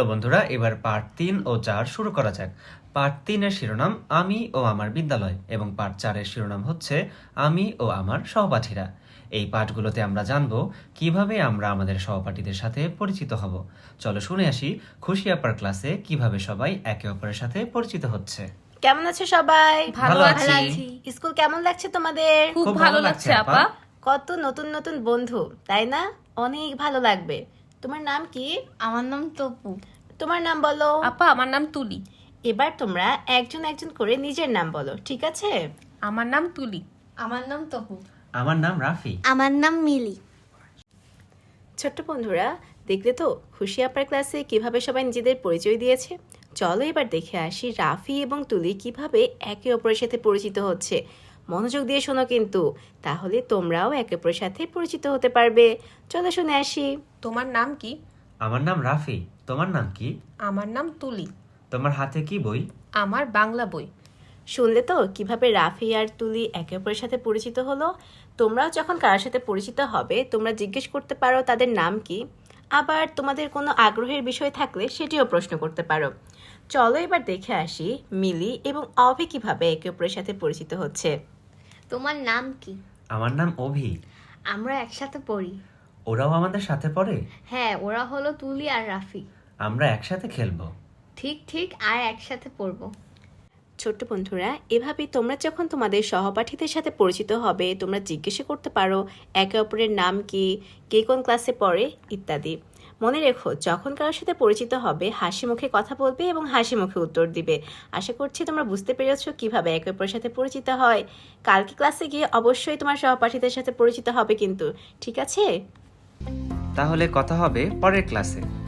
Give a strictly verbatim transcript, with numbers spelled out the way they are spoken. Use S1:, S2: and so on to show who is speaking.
S1: বন্ধুরা, এবার পার্ট তিন ও চার শুরু করা যাক। পার্ট তিনের শিরোনাম আমি ও আমার বিদ্যালয় এবং পার্ট চারের শিরোনাম হচ্ছে আমি ও আমার সহপাঠীরা। এই পাঠগুলোতে আমরা জানব কিভাবে আমরা আমাদের সহপাঠীদের সাথে পরিচিত হব। চলো শুনে আসি খুশি আপার ক্লাসে কিভাবে সবাই একে অপরের সাথে পরিচিত হচ্ছে।
S2: কেমন আছো সবাই?
S1: ভালো আছি।
S2: স্কুল কেমন লাগছে তোমাদের?
S3: খুব ভালো লাগছে আপা।
S2: কত নতুন নতুন বন্ধু, তাই না? অনেক ভালো লাগবে। তোমার নাম কি?
S3: আমার নাম তপু।
S2: তোমার নাম বলো।
S3: আপা আমার নাম তুলি।
S2: এবার তোমরা একজন একজন করে নিজের নাম বলো, ঠিক আছে?
S3: আমার নাম তুলি। আমার নাম তপু।
S1: আমার নাম রাফি।
S4: আমার নাম মিলি।
S2: ছোট্ট বন্ধুরা, দেখলে তো খুশি আপার ক্লাসে কিভাবে সবাই নিজেদের পরিচয় দিয়েছে। চলো এবার দেখে আসি রাফি এবং তুলি কিভাবে একে অপরের সাথে পরিচিত হচ্ছে। মনোযোগ দিয়ে শোনো কিন্তু, তাহলে তোমরাও একে অপরের সাথে পরিচিত হতে পারবে। চলো শুনে আসি।
S3: তোমার নাম কি?
S1: আমার নাম রাফি। তোমার নাম কি?
S3: আমার নাম তুলি।
S1: তোমার হাতে কি বই?
S3: আমার বাংলা বই।
S2: শুনলে তো কিভাবে রাফি আর তুলি একে অপরের সাথে পরিচিত হলো। তোমরাও যখন কারোর সাথে পরিচিত হবে, তোমরা জিজ্ঞেস করতে পারো তাদের নাম কি। আবার তোমাদের কোনো আগ্রহের বিষয় থাকলে সেটিও প্রশ্ন করতে পারো। চলো এবার দেখে আসি মিলি এবং অভি কিভাবে একে অপরের সাথে পরিচিত হচ্ছে।
S4: তোমার নাম কি?
S1: আমার নাম অভি।
S4: আমরা একসাথে পড়ি।
S1: ওরাও আমাদের সাথে পড়ে?
S4: হ্যাঁ, ওরা হলো তুলি আর রাফি।
S1: আমরা একসাথে খেলবো।
S4: ঠিক ঠিক আর একসাথে পড়বো।
S2: ছোট্ট বন্ধুরা, এভাবেই তোমরা যখন তোমাদের সহপাঠীদের সাথে পরিচিত হবে, তোমরা জিজ্ঞেস করতে পারো একে অপরের নাম কি, কে কোন ক্লাসে পড়ে ইত্যাদি। মনে রেখো, যখন কারোর সাথে পরিচিত হবে হাসি মুখে কথা বলবে এবং হাসি মুখে উত্তর দিবে। আশা করছি তোমরা বুঝতে পেরেছো কিভাবে একে অপরের সাথে পরিচিত হয়। কালকে ক্লাসে গিয়ে অবশ্যই তোমার সহপাঠীদের সাথে পরিচিত হবে কিন্তু, ঠিক আছে?
S1: তাহলে কথা হবে পরের ক্লাসে।